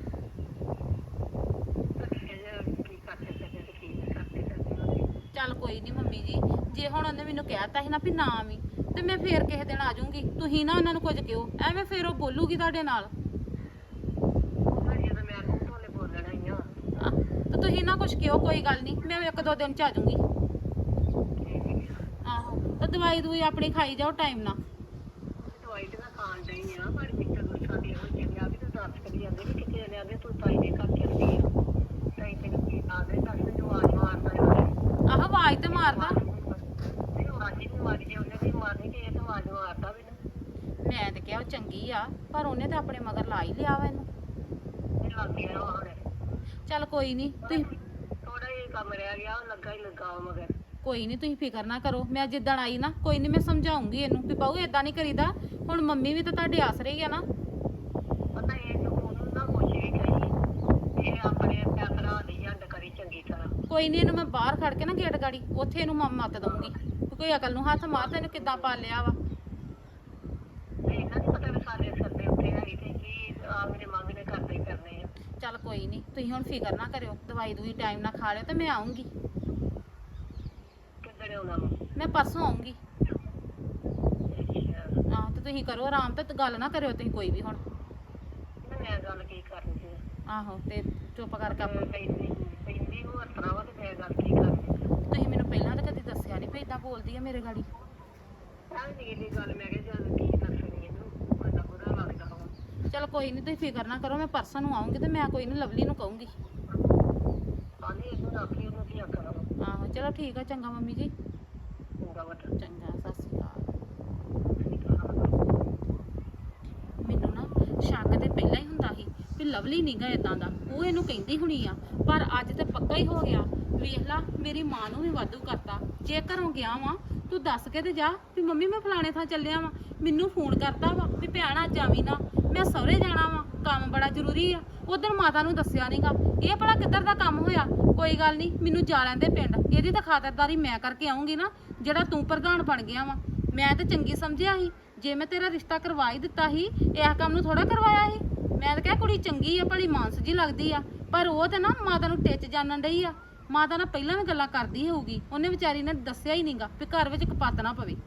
ਕੀ ਕਰਦੇ ਸਕਦੇ ਤੇ ਕੀ ਨਹੀਂ ਕਰਦੇ ਸਕਦੇ।
ਚੱਲ ਕੋਈ ਨਹੀਂ ਮੰਮੀ ਜੀ, ਜੇ ਹੁਣ ਉਹਨੇ ਮੈਨੂੰ ਕਹਿਤਾ ਸੀ ਨਾ ਵੀ ਨਾ ਆਵੀਂ ਤੇ ਮੈਂ ਫੇਰ ਕਿਸੇ ਦਿਨ ਆ ਜਾਊਂਗੀ। ਤੁਸੀਂ ਨਾ ਉਹਨਾਂ ਨੂੰ ਕੁਝ ਕਿਹੋ, ਐਵੇਂ ਫੇਰ ਉਹ ਬੋਲੂਗੀ ਤੁਹਾਡੇ ਨਾਲ।
ਜੇ ਤਾਂ ਮੈਂ ਨੂੰ ਤੁਹਾਡੇ ਬੋਲਣਾ ਹੀ ਆ।
ਤੇ ਤੁਸੀਂ ਨਾ ਕੁਝ ਕਿਹੋ, ਕੋਈ ਗੱਲ ਨਹੀਂ, ਮੈਂ ਇੱਕ ਦੋ ਦਿਨ ਚ ਆ ਜਾਊਂਗੀ। ਆਹੋ ਤੇ ਦਵਾਈ ਦੂਈ ਆਪਣੀ ਖਾਈ ਜਾਓ ਟਾਈਮ ਨਾਲ।
ਦਵਾਈ ਤੇ ਮੈਂ ਖਾਣ ਡਈ ਆ, ਪਰ ਮੈਨੂੰ ਗੁੱਸਾ ਦੀ ਹੋ ਜਾਂਦਾ ਵੀ ਤੂੰ ਦੱਸ ਕਰੀ ਜਾਂਦੇ ਵੀ ਕਿੱਥੇ ਜਾਂਦੇ ਆਂਦੇ ਤੂੰ ਤਾਈ ਦੇ ਘਰ ਚੱਲਦੀ ਆ। ਤਾਈ ਤੈਨੂੰ ਕੀ ਆਦੇ ਦੱਸ ਮੈਨੂੰ ਆਵਾਜ਼ ਮਾਰਦਾ ਹੈ।
ਆਹੋ ਆਵਾਜ਼ ਤੇ ਮਾਰਦਾ।
ਨਹੀਂ ਆਵਾਜ਼ ਹੀ ਮਾਰੀ, ਜੇ ਉਹਨੇ ਵੀ ਮਾਰਨੀ ਤੇ ਇਹ ਤਾਂ ਆਵਾਜ਼ ਮਾਰਦਾ ਵੀ ਨਾ।
ਮੈਂ ਤੇ ਕਿਹਾ ਉਹ ਚੰਗੀ ਆ, ਪਰ ਉਹਨੇ ਤੇ ਆਪਣੇ ਮਗਰ ਲਾ ਹੀ ਲਿਆ ਵਾ ਇਹਨੂੰ।
ਇਹ ਲੱਗ ਗਿਆ ਹੁਣ।
ਚੱਲ ਕੋਈ ਨਹੀਂ ਤੁਸੀਂ
ਥੋੜਾ ਜਿਹਾ ਕੰਮ ਰਹਿ ਗਿਆ, ਉਹ ਲੱਗਾ ਹੀ ਲੱਗਾ ਵਾ ਮਗਰ।
ਕੋਈ ਨਹੀਂ ਤੁਸੀਂ ਫਿਕਰ ਨਾ ਕਰੋ, ਮੈਂ ਜਿੱਦਣ ਆਈ ਨਾ ਕੋਈ ਨਹੀਂ ਮੈਂ ਸਮਝਾਉਂਗੀ ਇਹਨੂੰ ਵੀ ਬਾਊ ਏਦਾਂ ਨਹੀਂ ਕਰੀਦਾ। ਹੁਣ ਮੰਮੀ ਵੀ ਤਾਂ ਤੁਹਾਡੇ ਆਸਰੇ ਹੀ ਆ ਨਾ।
ਪਤਾ ਇਹ ਜੋ ਉਹਨੂੰ ਨਾ ਕੁਛ ਵੀ ਕਹੀ, ਇਹ ਆਪਣੇ ਭਰਾ ਦੀ ਹੰਡ ਕਰੀ ਚੰਗੀ ਤਰ੍ਹਾਂ।
ਕੋਈ ਨਹੀਂ ਇਹਨੂੰ ਮੈਂ ਬਾਹਰ ਖੜ ਕੇ ਨਾ ਗੇਟ ਗਾੜੀ ਉੱਥੇ ਇਹਨੂੰ ਮੱਤ ਦਊਂਗੀ ਵੀ ਕੋਈ ਅਕਲ ਨੂੰ ਹੱਥ ਮਾਰ, ਤੈਨੂੰ ਕਿੱਦਾਂ ਪਾਲਿਆ ਵਾ।
ਨਹੀਂ ਇਹਨਾਂ ਨੂੰ ਪਤਾ ਵੀ ਸਾਡੇ ਸਿਰ ਦੇ ਉੱਤੇ ਹੈ ਤੇ ਕੀ ਆ ਮੇਰੇ ਮੰਗ ਨੇ ਕਰਦੇ ਹੀ ਕਰਨੇ ਆ।
ਚੱਲ ਕੋਈ ਨਹੀਂ ਤੁਸੀਂ ਹੁਣ ਫਿਕਰ ਨਾ ਕਰਿਓ, ਦਵਾਈ ਦੂਈ ਟਾਈਮ ਨਾਲ ਖਾ ਲਿਓ ਤੇ ਮੈਂ ਆਉਂਗੀ।
ਕਿੱਧਰ ਆਉਣਾ ਵਾ?
ਮੈਂ ਪਰਸੋਂ ਆਉਂਗੀ।
ਅੱਛਾ,
ਆਹ ਤੇ ਤੁਸੀਂ ਕਰੋ ਆਰਾਮ ਤੇ ਗੱਲ ਨਾ ਕਰਿਓ ਤੁਸੀਂ ਕੋਈ ਵੀ ਹੁਣ।
ਮੈਂ ਗੱਲ ਕੀ ਕਰਨੀ ਸੀ?
ਆਹੋ ਤੇ ਚੁੱਪ ਕਰਕੇ ਆਪਣਾ
ਪੈਂਦੀ ਨੂੰ ਹੱਸਣਾ ਵਾ ਤੇ ਮੈਂ ਗੱਲ ਕੀ ਕਰਨੀ?
ਤੁਸੀਂ ਮੈਨੂੰ ਪਹਿਲਾਂ ਤਾਂ ਕਦੀ ਦੱਸਿਆ ਨਹੀਂ ਵੀ ਏਦਾਂ ਬੋਲਦੀ ਆ ਮੇਰੇ ਗਾੜੀ।
ਆਹ ਨਹੀਂ ਦੀ ਗੱਲ ਮੈਂ ਕਿਹਾ ਚੱਲ ਕੀ ਦੱਸਣੀ ਇਹਨੂੰ, ਬੜਾ ਬੁਰਾ ਲੱਗਦਾ ਵਾ।
ਚਲ ਕੋਈ ਨਹੀਂ ਤੁਸੀਂ ਫਿਕਰ ਨਾ ਕਰੋ, ਮੈਂ ਪਰਸੋਂ ਨੂੰ ਆਉਂਗੀ ਤੇ ਮੈਂ ਕੋਈ ਨਹੀਂ ਲਵਲੀ ਨੂੰ ਕਹੂੰਗੀ। ਚਲੋ ਠੀਕ ਆ, ਚੰਗਾ ਮੰਮੀ ਜੀ। ਚੰਗਾ, ਸਤਿ ਸ਼੍ਰੀ ਅਕਾਲ। ਮੈਨੂੰ ਨਾ ਸ਼ੱਕ ਤੇ ਪਹਿਲਾਂ ਹੀ ਹੁੰਦਾ ਸੀ ਵੀ ਲਵਲੀ ਨੀਗਾ ਇਦਾਂ ਦਾ, ਉਹ ਇਹਨੂੰ ਕਹਿੰਦੀ ਹੁਣੀ ਆ, ਪਰ ਅੱਜ ਤੇ ਪੱਕਾ ਹੀ ਹੋ ਗਿਆ। ਵੇਖ ਲਾ, ਮੇਰੀ ਮਾਂ ਨੂੰ ਵੀ ਵਾਧੂ ਕਰਤਾ। ਜੇ ਘਰੋਂ ਗਿਆ ਵਾਂ ਤੂੰ ਦੱਸ ਕੇ ਤੇ ਜਾ ਵੀ ਮੰਮੀ ਮੈਂ ਫਲਾਣੇ ਥਾਂ ਚੱਲਿਆ ਵਾਂ। ਮੈਨੂੰ ਫੋਨ ਕਰਦਾ ਵਾ ਵੀ ਭੈਣ ਅੱਜ ਆਵੀਂ ਨਾ, ਮੈਂ ਸਹੁਰੇ ਜਾਣਾ ਵਾਂ, ਕੰਮ ਬੜਾ ਜ਼ਰੂਰੀ ਆ। ਉਧਰ ਮਾਤਾ ਨੂੰ ਦੱਸਿਆ ਨਹੀਂਗਾ। ਇਹ ਭਲਾ ਕਿੱਧਰ ਦਾ ਕੰਮ ਹੋਇਆ? ਕੋਈ ਗੱਲ ਨਹੀਂ, ਮੈਨੂੰ ਜਾ ਲੈਂਦੇ ਪਿੰਡ, ਇਹਦੀ ਤਾਂ ਖਾਤਰਦਾਰੀ ਮੈਂ ਕਰਕੇ ਆਉਂਗੀ ਨਾ, ਜਿਹੜਾ ਤੂੰ ਪ੍ਰਧਾਨ ਬਣ ਗਿਆ ਵਾ। ਮੈਂ ਤਾਂ ਚੰਗੀ ਸਮਝਿਆ ਸੀ, ਜੇ ਮੈਂ ਤੇਰਾ ਰਿਸ਼ਤਾ ਕਰਵਾ ਹੀ ਦਿੱਤਾ ਸੀ, ਇਸ ਕੰਮ ਨੂੰ ਥੋੜਾ ਕਰਵਾਇਆ ਸੀ। ਮੈਂ ਤਾਂ ਕਿਹਾ ਕੁੜੀ ਚੰਗੀ ਆ, ਭਲੀ ਮਾਨਸ ਜੀ ਲੱਗਦੀ ਆ, ਪਰ ਉਹ ਤੇ ਨਾ ਮਾਤਾ ਨੂੰ ਟਿੱਚ ਜਾਣਨ ਡਈ ਆ। ਮਾਤਾ ਨਾਲ ਪਹਿਲਾਂ ਵੀ ਗੱਲਾਂ ਕਰਦੀ ਹੋਊਗੀ, ਉਹਨੇ ਵਿਚਾਰੀ ਨੇ ਦੱਸਿਆ ਹੀ ਨਹੀਂਗਾ ਵੀ ਘਰ ਵਿੱਚ ਕਪੱਤ ਨਾ ਪਵੇ।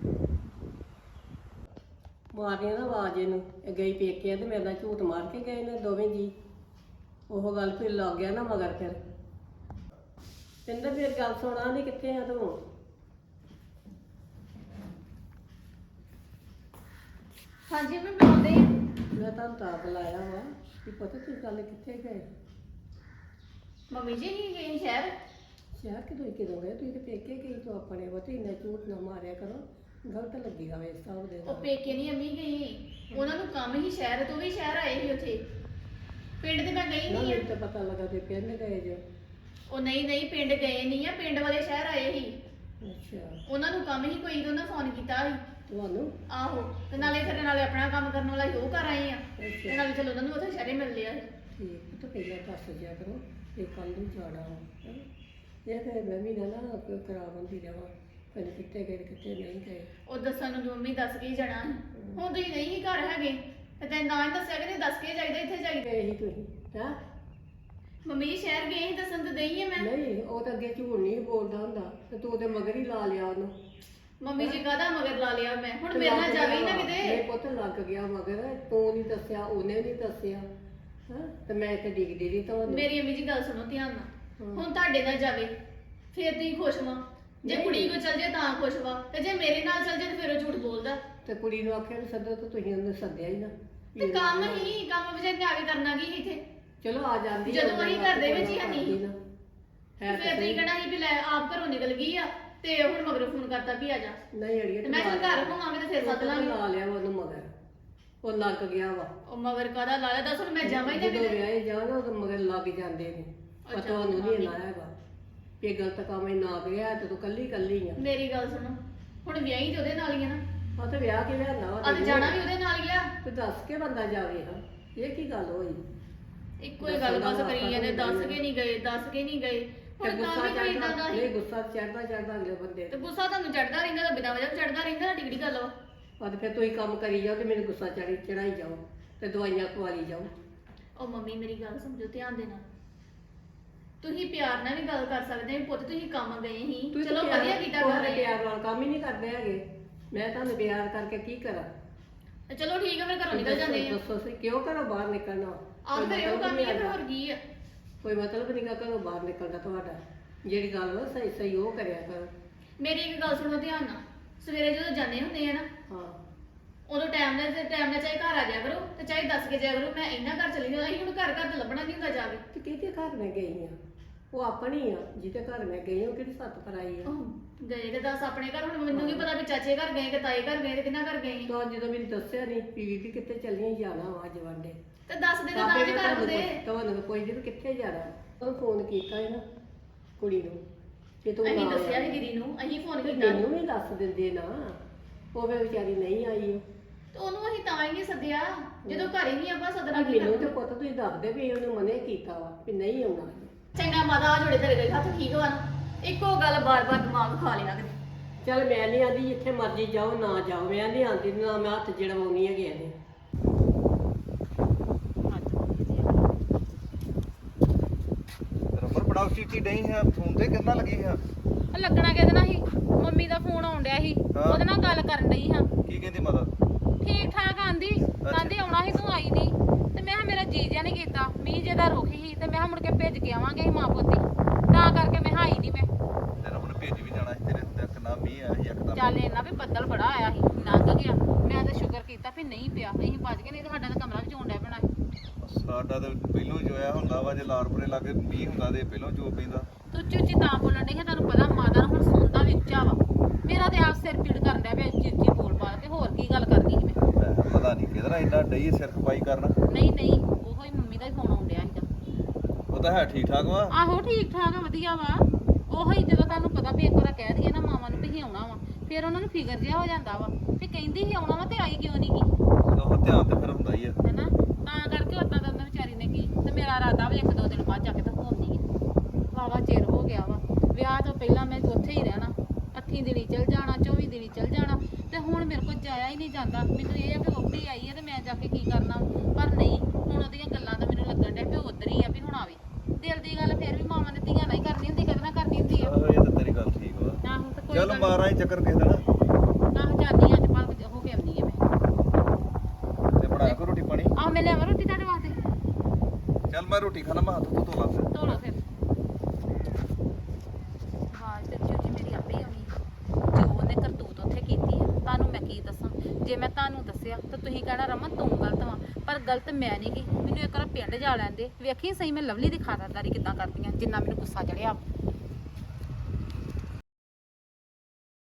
ਮਾਰੀਆਂ ਨਾ ਆਵਾਜ਼ ਇਹਨੂੰ, ਇਹ ਗਈ ਪੇਕੇ ਤੇ ਮੇਰੇ ਨਾਲ ਝੂਠ ਮਾਰ ਕੇ ਗਏ ਨੇ ਦੋਵੇਂ ਜੀ। ਉਹ ਗੱਲ ਫਿਰ ਲੱਗ ਗਿਆ ਨਾ ਮਗਰ। ਫਿਰ ਕਹਿੰਦਾ ਫਿਰ ਗੱਲ ਸੁਣਾ, ਨਹੀਂ ਕਿੱਥੇ ਆ ਤੂੰ?
ਹਾਂਜੀ ਮੈਂ ਬਣਾਉਂਦੇ ਆ।
ਮੈਂ ਤੁਹਾਨੂੰ ਤਾਂ ਬੁਲਾਇਆ ਵਾ ਕਿ ਪਤਾ ਤੁਸੀਂ ਗੱਲ ਕਿੱਥੇ ਗਏ?
ਮੰਮੀ ਜੀ ਹੀ ਗਏ ਸ਼ਹਿਰ।
ਸ਼ਹਿਰ ਕਿਦੋਂ ਗਏ? ਤੁਸੀਂ ਤੇ ਪੇਕੇ ਗਈ ਤੂੰ ਆਪਣੇ ਵਤੀ, ਇੰਨਾ ਝੂਠ ਨਾ ਮਾਰਿਆ ਕਰੋ, ਗਲਤ ਲੱਗੇਗਾ ਵੇ ਹਿਸਾਬ ਦੇ
ਉਹ
ਨਾਲ।
ਪੇਕੇ ਨਹੀਂ ਅੰਮੀ ਗਈ, ਉਹਨਾਂ ਨੂੰ ਕੰਮ ਹੀ ਸ਼ਹਿਰ ਤੋਂ ਵੀ ਸ਼ਹਿਰ ਆਏ ਸੀ ਉੱਥੇ। ਪਿੰਡ ਤੇ ਮੈਂ ਗਈ
ਨਾ
ਨਹੀਂ ਆ।
ਮੈਨੂੰ ਤਾਂ ਪਤਾ ਲੱਗਾ ਤੇ ਪਿੰਡ ਗਏ ਜੋ।
ਉਹ ਨਹੀਂ ਪਿੰਡ ਗਏ ਨਹੀਂ ਆ, ਪਿੰਡ ਵਾਲੇ ਸ਼ਹਿਰ ਆਏ ਸੀ।
ਅੱਛਾ,
ਉਹਨਾਂ ਨੂੰ ਕੰਮ ਹੀ ਕੋਈ, ਉਹਨਾਂ ਫੋਨ ਕੀਤਾ ਸੀ।
ਤੁਹਾਨੂੰ?
ਆਹੋ, ਤੇ ਨਾਲੇ ਫਿਰ ਨਾਲੇ ਆਪਣਾ ਕੰਮ ਕਰਨ ਵਾਲਾ ਉਹ ਕਰ ਆਏ ਆ, ਤੇ
ਅੱਛਾ
ਨਾਲੇ ਚਲੋ ਉਹਨਾਂ ਨੂੰ ਉੱਥੇ ਸ਼ਹਿਰੇ ਮਿਲ ਲਿਆ।
ਠੀਕ, ਤਾਂ ਪਹਿਲਾਂ ਦੱਸ ਦਿਆ ਕਰੋ ਇਹ ਕੱਲ ਨੂੰ ਜਾਣਾ ਵਾ, ਹੈਂ। ਇਹ ਫਿਰ ਮੈਂ ਵੀ ਨਾ ਕੋਈ ਖਰਾਬ ਹੁੰਦੀ ਜਾਵਾਂ, ਕਦੇ ਕਿੱਥੇ ਗਏ ਕਿੱਥੇ ਨਹੀਂ ਗਏ।
ਉਹ ਦੱਸਣ ਨੂੰ ਮੰਮੀ ਦੱਸ ਕੇ ਹੀ ਜਾਣਾ ਸੀ। ਹੁਣ ਤੁਸੀਂ ਨਹੀਂ ਸੀ ਘਰ ਹੈਗੇ ਤੇ ਤੈਨੂੰ ਨਾ ਹੀ ਦੱਸਿਆ ਕਿ ਦੱਸ ਕੇ ਜਾਈਦਾ, ਇੱਥੇ ਜਾਈਦਾ।
ਗਏ ਸੀ ਤੁਸੀਂ? ਹੈਂ?
ਮੰਮੀ ਜੀ ਸ਼ਹਿਰ ਗਏ ਸੀ, ਦੱਸਣ ਤੇ ਦਈ ਆ ਮੈਂ।
ਨਹੀਂ, ਉਹ ਤਾਂ ਅੱਗੇ ਝੂਠ ਨਹੀਂ ਬੋਲਦਾ ਹੁੰਦਾ, ਤੇ ਤੂੰ ਉਹਦੇ ਮਗਰ ਹੀ ਲਾ ਲਿਆ ਉਹਨੂੰ।
ਮੰਮੀ ਜੀ ਕਾਹਦਾ ਮਗਰ ਲਾ ਲਿਆ ਮੈਂ? ਹੁਣ
ਤੇ
ਮੇਰੇ ਨਾਲ
ਲੱਗ
ਜਾਵੇ ਹੀ ਨਾ
ਗਿਆ,
ਕਿਤੇ।
ਮੇਰੇ ਪੁੱਤ ਲੱਗ ਗਿਆ ਮਗਰ, ਤੂੰ ਨਹੀਂ ਦੱਸਿਆ, ਉਹਨੇ ਨਹੀਂ ਦੱਸਿਆ, ਹਾਂ। ਤੇ ਮੈਂ ਇੱਥੇ ਡਿੱਗਦੀ ਰਹੀ ਤੁਹਾਨੂੰ।
ਮੇਰੀ ਅੰਮੀ ਜੀ ਗੱਲ ਸੁਣੋ ਧਿਆਨ ਨਾਲ।
ਹਾਂ।
ਹੁਣ ਤੁਹਾਡੇ ਨਾਲ ਜਾਵੇ ਫਿਰ ਤੁਸੀਂ ਖੁਸ਼ ਵਾਂ, ਜੇ
ਨਹੀਂ।
ਕੁੜੀ ਕੋ ਚਲ ਜੇ ਤਾਂ ਖੁਸ਼ ਵਾਂ, ਤੇ ਜੇ ਮੇਰੇ ਨਾਲ ਚਲ ਜੇ ਤੇ ਫਿਰ ਉਹ ਝੂਠ ਬੋਲਦਾ।
ਤੇ ਕੁੜੀ ਨੂੰ ਆਖਿਆ ਵੀ ਸੱਦੋ, ਤਾਂ ਤੁਸੀਂ ਉਹਨੂੰ ਸੱਦਿਆ ਹੀ ਨਾ।
ਤੇ ਕੰਮ ਹੀ ਕੰਮ ਵਿਚਾਰੇ ਨੇ ਆ ਕੇ ਕਰਨਾ ਕੀ ਸੀ ਇੱਥੇ?
ਚਲੋ ਆ ਜਾਂਦੀ
ਜਦੋਂ ਅਸੀਂ ਘਰ ਦੇ ਵਿੱਚ ਹੀ ਨਹੀਂ।
ਹੈ
ਫਿਰ ਤੁਸੀਂ ਕਹਿਣਾ ਸੀ ਵੀ ਲੈ ਆਪ ਘਰੋਂ ਨਿਕਲ ਗਈ ਆ, ਤੇ ਹੁਣ ਮਗਰੋਂ ਫੋਨ ਕਰਤਾ ਵੀ ਆ ਜਾ।
ਨਹੀਂ ਅੜੀਏ,
ਤੇ ਮੈਂ ਜਦੋਂ ਘਰ ਹੋਵਾਂਗੇ ਤੇ ਫਿਰ ਸੱਦ ਲਾਂਗੇ।
ਲਾ ਲਿਆ ਵਾ ਉਹਨੂੰ ਮਗਰ, ਉਹ ਲੱਗ ਗਿਆ ਵਾ।
ਉਹ ਮਗਰ ਕਾਹਦਾ ਲਾ ਲਿਆ? ਦੱਸ ਹੁਣ ਮੈਂ ਜਾਵਾਂ ਹੀ ਨਾ
ਜਦੋਂ
ਕਿਤੇ।
ਵਿਆਹੇ ਜਾਣਾ ਉਹ ਮਗਰ ਲੱਗ ਜਾਂਦੇ ਨੇ। ਪਤਾ ਉਹਨੂੰ ਨਹੀਂ ਨਾ ਹੈਗਾ ਕਿ ਗਲਤ ਕੰਮ ਹੀ ਨਾ ਗਿਆ, ਤੇ ਤੂੰ ਕੱਲੀ ਆ।
ਮੇਰੀ ਗੱਲ ਸੁਣੋ, ਹੁਣ ਵਿਆਹੀ ਤੇ ਉਹਦੇ ਨਾਲ ਹੀ ਆ ਨਾ।
ਆ ਤੇ ਵਿਆਹ ਕੇ ਲਿਆਂਦਾ ਵਾ
ਅੱਜ ਜਾਣਾ ਵੀ ਉਹਦੇ ਨਾਲ ਗਿਆ।
ਤੇ ਦੱਸ ਕੇ ਬੰਦਾ ਜਾਵੇ। ਹਾਂ, ਇਹ ਕੀ ਗੱਲ ਹੋਈ?
ਇੱਕੋ ਹੀ ਗੱਲ ਬਸ ਕਰੀ ਜਾਂਦੇ, ਦੱਸ ਕੇ ਨਹੀਂ ਗਏ, ਦੱਸ ਕੇ ਨਹੀਂ ਗਏ।
ਤੇ
ਹੁਣ ਤਾਂ
ਗੁੱਸਾ
ਵੀ ਕੋਈ ਇਦਾਂ ਦਾ
ਨਹੀਂ,
ਹੀ।
ਗੁੱਸਾ ਚੜਦਾ ਅਗਲੇ ਬੰਦੇ
ਤੇ ਗੁੱਸਾ ਤੁਹਾਨੂੰ ਚੜਦਾ ਰਹਿੰਦਾ ਤਾਂ ਬਿਨਾਂ ਵਜ੍ਹਾ ਤੋਂ ਚੜਦਾ ਰਹਿੰਦਾ, ਸਾਡੀ ਕਿਹੜੀ ਗੱਲ ਵਾ?
ਤੇ ਫਿਰ ਤੁਸੀਂ ਕੰਮ ਕਰੀ ਜਾਓ ਤੇ ਮੈਨੂੰ ਗੁੱਸਾ ਚੜਾਈ ਜਾਓ ਤੇ ਦਵਾਈਆਂ ਖਵਾਲੀ ਜਾਓ।
ਉਹ ਮੰਮੀ ਮੇਰੀ ਗੱਲ ਸਮਝੋ ਧਿਆਨ ਦੇ ਨਾਲ। ਤੁਸੀਂ ਪਿਆਰ ਨਾਲ ਵੀ ਗੱਲ ਕਰ ਸਕਦੇ ਹੋ, ਪੁੱਤ ਤੁਸੀਂ ਕੰਮ ਗਏ ਸੀ,
ਤੁਸੀਂ
ਚਲੋ
ਤਾਂ
ਵਧੀਆ ਕੀਤਾ ਕਰ ਰਹੇ ਆ।
ਪਿਆਰ ਨਾਲ ਕੰਮ ਹੀ ਨਹੀਂ ਕਰਦੇ ਹੈਗੇ। ਮੈਂ ਤੁਹਾਨੂੰ ਪਿਆਰ ਕਰਕੇ ਕੀ ਕਰਾਂ?
ਤੇ ਚਲੋ ਠੀਕ ਆ, ਫਿਰ ਘਰੋਂ ਨਿਕਲ ਜਾਂਦੇ ਆ।
ਦੱਸੋ ਸੀ ਕਿਉਂ ਘਰੋਂ ਬਾਹਰ ਨਿਕਲਣਾ?
ਆਹ ਫਿਰ ਇਹੋ ਕੰਮ ਹੀ ਆ, ਫਿਰ ਹੋਰ ਕੀ ਆ?
ਕੋਈ ਮਤਲਬ ਨਹੀਂਗਾ ਘਰੋਂ ਬਾਹਰ ਨਿਕਲਦਾ ਤੁਹਾਡਾ। ਜਿਹੜੀ ਗੱਲ ਵਾ ਸਹੀ ਉਹ ਕਰਿਆ ਕਰੋ।
ਮੇਰੀ ਇੱਕ ਗੱਲ ਸੁਣੋ ਧਿਆਨ ਨਾਲ। ਸਵੇਰੇ ਜਦੋਂ ਜਾਂਦੇ ਹੁੰਦੇ ਆ ਨਾ,
ਹਾਂ,
ਉਦੋਂ ਟਾਈਮ ਨਾਲ ਚਾਹੇ ਘਰ ਆ ਜਾਇਆ ਕਰੋ ਤੇ ਚਾਹੇ ਦੱਸ ਕੇ ਜਾਇਆ ਕਰੋ ਮੈਂ ਇਹਨਾਂ ਘਰ ਚਲੀ ਜਾਣਾ। ਅਸੀਂ ਹੁਣ ਘਰ ਤੇ ਲੱਭਣਾ ਨਹੀਂ ਹੁੰਦਾ ਜਾ ਕੇ।
ਤੇ ਕਿਹਦੇ ਘਰ ਮੈਂ ਗਈ ਆ? ਉਹ ਆਪਣੀ ਆ, ਜਿਹਦੇ ਘਰ ਮੈਂ ਗਈ ਉਹ ਕਿਹੜੀ ਸੱਤ ਪਰਾਈ ਆ?
ਗਏ ਤੇ ਦੱਸ ਆਪਣੇ ਘਰ। ਹੁਣ ਮੈਨੂੰ ਕੀ ਪਤਾ ਵੀ ਚਾਚੇ ਘਰ ਗਏ ਕਿ ਤਾਏ ਘਰ ਗਏ ਤੇ ਕਿਹਨਾਂ ਘਰ ਗਏ।
ਤਾਂ ਜਦੋਂ ਮੈਨੂੰ ਦੱਸਿਆ ਨਹੀਂ ਵੀ ਕਿੱਥੇ ਚੱਲੀਆਂ ਜਾਣਾ ਵਾ ਅੱਜ ਵਾਂਡੇ,
ਤੇ ਦੱਸ ਦੇ ਤਾਂ ਤਾਂ ਵੀ ਘਰ ਹੁੰਦੇ।
ਤੁਹਾਨੂੰ ਕੋਈ ਜੀ ਕਿੱਥੇ ਜਾਣਾ? ਉਹ ਫੋਨ ਕੀਤਾ ਹੈ ਨਾ ਕੁੜੀ ਨੂੰ ਕਿ ਤੂੰ
ਅਸੀਂ
ਨਾ
ਦੱਸਿਆ
ਆਇਆ।
ਸੀ ਦੀਦੀ ਨੂੰ, ਅਸੀਂ ਫੋਨ
ਤੇ
ਕੀਤਾ
ਮੈਨੂੰ ਵੀ ਦੱਸ ਦਿੰਦੇ ਨਾ, ਉਹ ਵੀ ਵਿਚਾਰੀ ਨਹੀਂ ਆਈ।
ਤੇ ਉਹਨੂੰ ਅਸੀਂ ਤਾਂ ਹੀ ਨਹੀਂ ਸੱਦਿਆ ਜਦੋਂ ਘਰ ਹੀ ਨਹੀਂ ਆਪਾਂ ਸੱਦਣਾ ਕੀ
ਮੈਨੂੰ ਤੇ
ਕਰਨਾ।
ਪੁੱਤ ਤੁਸੀਂ ਦੱਸਦੇ ਵੀ ਉਹਨੇ ਮਨੇ ਕੀਤਾ ਵਾ ਵੀ ਨਹੀਂ ਆਉਣਾ।
ਚੰਗਾ ਮਾਤਾ ਜੁੜੇ ਤੇਰੇ ਗਏ ਹੱਥ ਠੀਕ ਵਾ ਨਾ। ਇੱਕੋ ਗੱਲ ਬਾਰ-ਬਾਰ ਦਿਮਾਗ ਖਾ ਲਿਆ ਕਿਤੇ।
ਚੱਲ ਮੈਂ ਨਹੀਂ ਆਂਦੀ ਜਿੱਥੇ ਮਰਜ਼ੀ ਜਾਓ ਨਾ ਜਾਓ, ਮੈਂ ਨਹੀਂ ਆਂਦੀ ਨਾ ਮੈਂ ਹੱਥ ਜੜਵਾਉਣੀ ਹੈਗੀ ਇਹਨੇ।
ਰਬਰ ਬੜਾ ਉੱਚੀ ਡਈ ਹੈ ਫੋਨ ਤੇ ਕਿੰਨਾ ਲੱਗੀ ਹੈ?
ਲੱਗਣਾ ਕਿਹਦੇ ਨਾਲ ਸੀ? ਮੰਮੀ ਦਾ ਫੋਨ ਆਉਣ ਡਿਆ ਸੀ,
ਹਾਂ।
ਉਹਦੇ ਨਾਲ ਗੱਲ ਕਰਨ ਡਈ ਹਾਂ।
ਕੀ ਕਹਿੰਦੀ ਮਦਰ?
ਠੀਕ ਠਾਕ ਆਂਦੀ ਆਉਣਾ ਸੀ, ਤੂੰ ਆਈ ਨਹੀਂ। ਤੇ ਮੈਂ ਕਿਹਾ ਮੇਰਾ ਜੀ ਜਿਹਾ ਨਹੀਂ ਕੀਤਾ, ਮੀਂਹ ਜੇ ਦਾ ਰੁਕ ਸੀ ਤੇ ਮੈਂ ਕਿਹਾ ਮੁੜ ਕੇ ਭੇਜ ਕੇ ਆਵਾਂਗੇ ਅਸੀਂ ਮਾਂ ਪੁੱਤੀ, ਤਾਂ ਕਰਕੇ ਮੈਂ ਆਈ ਨਹੀਂ। ਮੈਂ
ਤੇ ਰਬਰ ਭੇਜ ਵੀ ਜਾਣਾ ਸੀ ਤੇਰੇ ਹੁੰਦੇ ਕਿੰਨਾ ਮੀਂਹ ਆਇਆ ਸੀ ਇੱਕਦਮ।
ਚੱਲ ਇੰਨਾ ਵੀ ਬੱਦਲ ਬੜਾ ਆਇਆ ਸੀ, ਲੰਘ ਗਿਆ। ਮੈਂ ਤਾਂ ਸ਼ੁਕਰ ਕੀਤਾ ਵੀ ਨਹੀਂ ਪਿਆ, ਅਸੀਂ ਬਚ ਗਏ, ਨਹੀਂ ਤਾਂ ਸਾਡਾ ਤਾਂ ਕਮਰਾ ਵੀ ਚੋਣ ਡਿਆ ਪੈਣਾ ਸੀ।
ਸਾਡਾ ਤੇ ਪਹਿਲੋਂ ਜੋਇਆ ਹੁੰਦਾ ਵਾ, ਜੇ ਲਾਰਪੁਰੇ ਲਾਗੇ ਮੀਂਹ ਹੁੰਦਾ ਤੇ ਪਹਿਲੋਂ ਜੋ ਪੈਂਦਾ।
ਤੂੰ ਉੱਚੀ ਉੱਚੀ ਤਾਂ ਬੋਲਣ ਡਈ ਸੀ, ਤੁਹਾਨੂੰ ਪਤਾ ਮਾਤਾ ਨੂੰ ਸਿਰ ਪੀੜ ਕਰਨ ਡਿਆ ਪਿਆ ਉੱਚੀ ਉੱਚੀ ਬੋਲ ਪਾ ਕੇ। ਹੋਰ ਕੀ ਗੱਲ ਕਰਨੀ ਸੀ ਮੈਂ?
ਮੈਂ ਕਿਹਾ ਪਤਾ ਨਹੀਂ ਕਿਹਦਾ ਇੰਨਾ ਡਈ ਸਿਰ ਖਪਾਈ ਕਰਨ।
ਨਹੀਂ ਨਹੀਂ, ਉਹੋ ਹੀ ਮੰਮੀ ਦਾ ਹੀ ਫੋਨ ਆਉਣ ਡਿਆ ਸੀਗਾ।
ਉਹ ਤਾਂ ਹੈ ਠੀਕ ਠਾਕ ਵਾ।
ਆਹੋ ਠੀਕ ਠਾਕ ਆ, ਵਧੀਆ ਵਾ। ਉਹੋ ਹੀ ਜਦੋਂ ਤੁਹਾਨੂੰ ਪਤਾ ਵੀ ਇੱਕ ਵਾਰ ਕਹਿ ਦਈਏ ਨਾ ਮਾਵਾਂ ਨੂੰ ਵੀ ਅਸੀਂ ਆਉਣਾ ਵਾ, ਫਿਰ ਉਹਨਾਂ ਨੂੰ ਫਿਕਰ ਜਿਹਾ ਹੋ ਜਾਂਦਾ ਵਾ ਵੀ ਕਹਿੰਦੀ ਸੀ ਆਉਣਾ ਵਾ ਤੇ ਆਈ ਕਿਉਂ ਨਹੀਂ ਗੀ,
ਉਹ ਧਿਆਨ ਤੇ ਫਿਰ ਹੁੰਦਾ ਹੀ ਆ।
ਹੈਨਾ? ਤਾਂ ਕਰਕੇ ਉਦਾਂ ਦਾ ਉਹਨਾਂ ਵਿਚਾਰੀ ਨੇ ਕੀ ਤੇ ਮੇਰਾ ਇਰਾਦਾ ਵੀ 1-2 ਦਿਨ ਬਾਅਦ ਜਾ ਕੇ ਤਾਂ ਘੁੰਮਦੀ ਆ। ਵਾਵਾ ਚਿਰ ਹੋ ਗਿਆ ਵਾ ਵਿਆਹ ਤੋਂ ਪਹਿਲਾਂ ਮੈਂ ਉੱਥੇ ਹੀ ਰਹਿਣਾ, 8 ਦਿਨੀ ਚਲ ਜਾਣਾ, 24 ਦਿਨੀ ਚਲ ਜਾਣਾ, ਤੇ ਹੁਣ ਮੇਰੇ ਕੋਲ ਜਾਇਆ ਹੀ ਨਹੀਂ ਜਾਂਦਾ। ਮੈਨੂੰ ਇਹ ਆ ਵੀ ਵਹੁਟੀ ਆਈ ਹੈ ਤੇ ਮੈਂ ਜਾ ਕੇ ਕੀ ਕਰਨਾ, ਪਰ ਨਹੀਂ, ਹੁਣ ਉਹਦੀਆਂ ਗੱਲਾਂ ਦਾ ਮੈਨੂੰ ਲੱਗਣ ਡਿਆ ਵੀ ਉਹ ਉੱਧਰ ਹੀ ਆ ਵੀ ਹੁਣ ਆਵੇ। ਦਿਲ ਦੀ ਗੱਲ ਫਿਰ ਵੀ ਮਾਵਾਂ ਨੇ ਧੀਆਂ ਨਾਲ ਹੀ ਕਰਨੀ ਹੁੰਦੀ, ਕਦੇ ਨਾ ਕਰਨੀ ਹੁੰਦੀ ਆ।
ਆਹੋ ਇਹ ਤਾਂ ਤੇਰੀ ਗੱਲ ਠੀਕ ਵਾ।
ਆਹੋ ਤੇ ਕੋਈ
ਚੱਲ
ਗੱਲ ਨੀ।
ਮਾਰਾਂ ਹੀ ਚੱਕਰ ਕਿਸੇ ਦਿਨ
ਆਹੋ ਜਾਂਦੀ ਅੱਜ ਭਲਕ ਹੋ ਕੇ ਆਉਂਦੀ ਆ ਮੈਂ।
ਤੇ ਬਣਾ ਕੇ ਰੋਟੀ ਪਾਣੀ।
ਆਹ ਮੈਂ ਲਿਆਵਾਂ ਰੋਟੀ ਤੁਹਾਡੇ ਵਾਸਤੇ?
ਚੱਲ ਮੈਂ ਰੋਟੀ ਖਾਣਾ, ਮੈਂ ਹੱਥ ਤੋਂ ਧੋ ਲਾ ਫਿਰ।
ਧੋ ਲਓ ਫਿਰ। ਆਵਾਜ਼ ਤੇ ਉੱਚੀ ਮੇਰੀ ਆਪੇ ਹੀ ਆਉਣੀ ਜੋ ਉਹਨੇ ਕਰਤੂਤ ਉੱਥੇ ਕੀਤੀ ਆ। ਤੁਹਾਨੂੰ ਮੈਂ ਕੀ ਦੱਸਾਂ? ਜੇ ਮੈਂ ਤੁਹਾਨੂੰ ਦੱਸਿਆ ਤਾਂ ਤੁਸੀਂ ਕਹਿਣਾ ਰਮਨ ਤੂੰ ਗਲਤ ਵਾਂ, ਪਰ ਗਲਤ ਮੈਂ ਨਹੀਂ ਗੀ। ਮੈਨੂੰ ਇੱਕ ਵਾਰ ਪਿੰਡ ਜਾ ਲੈਂਦੇ, ਵੇਖੀ ਸਹੀ ਮੈਂ ਲਵਲੀ ਦੀ ਖਾਤਰਦਾਰੀ ਕਿੱਦਾਂ ਕਰਦੀ ਆ, ਜਿੰਨਾ ਮੈਨੂੰ ਗੁੱਸਾ ਚੜਿਆ।